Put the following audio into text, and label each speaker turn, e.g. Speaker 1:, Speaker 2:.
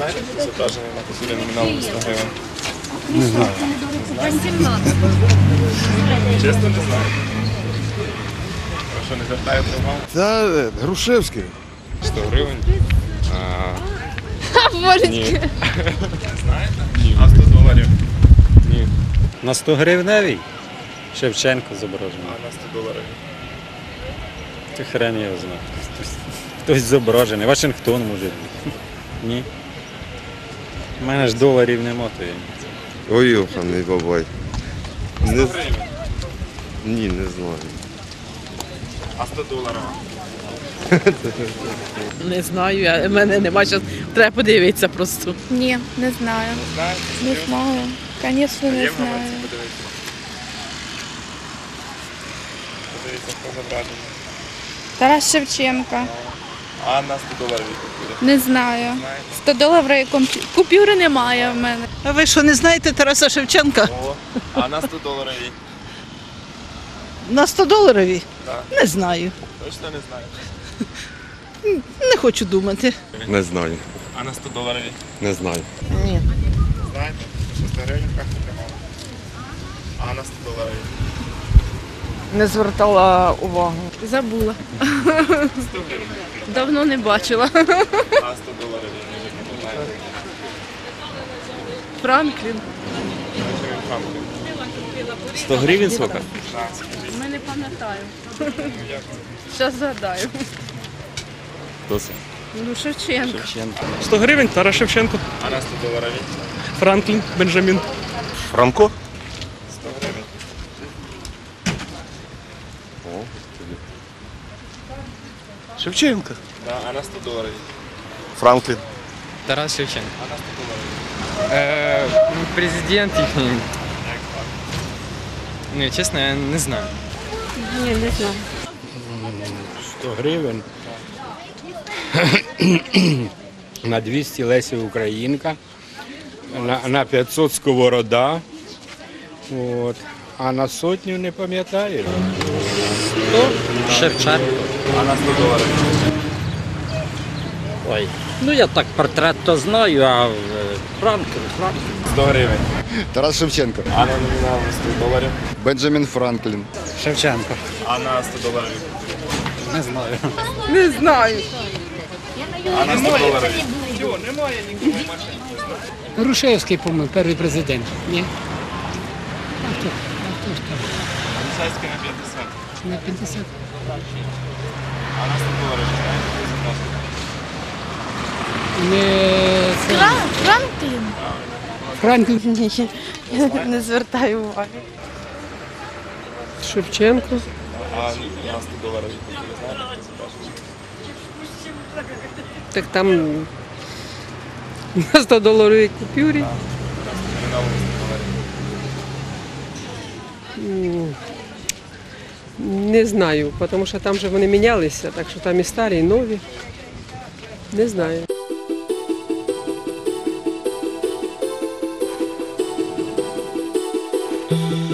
Speaker 1: знаєте, хто зображений на купюрі номіналом 100 гривень?
Speaker 2: Не знаю.
Speaker 1: Чесно, не знаю. Ви що, не звертаєте увагу?
Speaker 2: Та Грушевський.
Speaker 1: 100 гривень? Ні.
Speaker 3: Божечки.
Speaker 1: Не знаєте? Ні. А 100 доларів? Ні.
Speaker 4: На 100 гривневій Шевченко зображений.
Speaker 1: А на 100 доларів?
Speaker 4: Ти хрен його знає. Хтось зображений. Вашингтон може бути. Ні. У мене ж доларів нема, то я.
Speaker 5: Ой, йоханий бабай.
Speaker 1: 100 гривень.
Speaker 5: Ні, не знаю.
Speaker 1: А 100 доларів?
Speaker 6: Не знаю, в мене немає зараз. Треба подивитися просто.
Speaker 3: Ні, не знаю.
Speaker 1: Знаєте?
Speaker 3: Не знаю. Звісно, не
Speaker 1: Є в
Speaker 3: знаю.
Speaker 1: гаманці, подивіться. Подивіться, хто зображений.
Speaker 3: Тарас Шевченко.
Speaker 1: А на 100 доларів купюрі?
Speaker 3: Не знаю.
Speaker 1: Знаєте?
Speaker 3: 100 доларів купюри немає в мене.
Speaker 6: А ви що, не знаєте Тараса Шевченка?
Speaker 1: О, а на 100 доларів?
Speaker 6: На 100 доларові?
Speaker 1: Так.
Speaker 6: Не знаю.
Speaker 1: Точно не знаю.
Speaker 6: Не хочу думати.
Speaker 5: Не знаю.
Speaker 1: А на 100 доларів?
Speaker 5: Не знаю.
Speaker 6: Ні.
Speaker 1: Знаєте? 100 гривень в карті тримали. А на 100 доларів?
Speaker 7: Не звертала увагу.
Speaker 3: Забула.
Speaker 1: 100 гривень.
Speaker 3: Давно не бачила.
Speaker 1: А 100 доларів? Може, не знаєте.
Speaker 3: Франклін.
Speaker 1: Бачив він Франклін.
Speaker 4: 100 гривень сколько?
Speaker 1: Так, скажіть.
Speaker 3: Ми не пам'ятаю.
Speaker 1: Як?
Speaker 3: Зараз згадаю.
Speaker 4: Хто це?
Speaker 3: Ну, Шевченко.
Speaker 4: Шевченко.
Speaker 8: 100 гривень Тарас Шевченко,
Speaker 1: А на 100 доларів?
Speaker 8: Франклін, Бенджамін.
Speaker 5: Франко?
Speaker 1: 100 гривень.
Speaker 8: Шевченко.
Speaker 1: Да, а на 100 доларів?
Speaker 5: Франклін.
Speaker 9: Тарас Шевченко.
Speaker 1: А на 100 доларів?
Speaker 9: Президент їхній. Ну, чесно, я не знаю.
Speaker 3: Ні, не знаю.
Speaker 4: 100 гривень. На 200 Леся Українка. На 500 Сковорода. От. А на сотню не пам'ятаю.
Speaker 9: Шевченко.
Speaker 1: А на 100 доларів?
Speaker 10: Ой, ну я так портрет то знаю, а Франклін.
Speaker 1: 100 гривень.
Speaker 2: Тарас Шевченко.
Speaker 1: А на номінал 100 доларів?
Speaker 2: Бенджамін Франклін.
Speaker 4: Шевченко.
Speaker 1: А на 100 доларів?
Speaker 4: Не знаю.
Speaker 6: Не знаю.
Speaker 1: А на 100 доларів?
Speaker 7: Грушевський, по-моєму, перший президент. Ні?
Speaker 1: Поліцейський на 50.
Speaker 7: На 50.
Speaker 1: А на 100 доларів?
Speaker 7: Не це...
Speaker 3: Франклін?
Speaker 7: Франклін.
Speaker 3: Ні, не звертаю уваги.
Speaker 8: Шевченко.
Speaker 1: А на 100 доларів? Ви знаєте, хто зображений?
Speaker 8: Так там на 100 доларовій купюрі.
Speaker 1: Номіналом 100 доларів.
Speaker 8: Не знаю, тому що там же вони мінялися, так що там і старі, і нові. Не знаю.
Speaker 10: Thank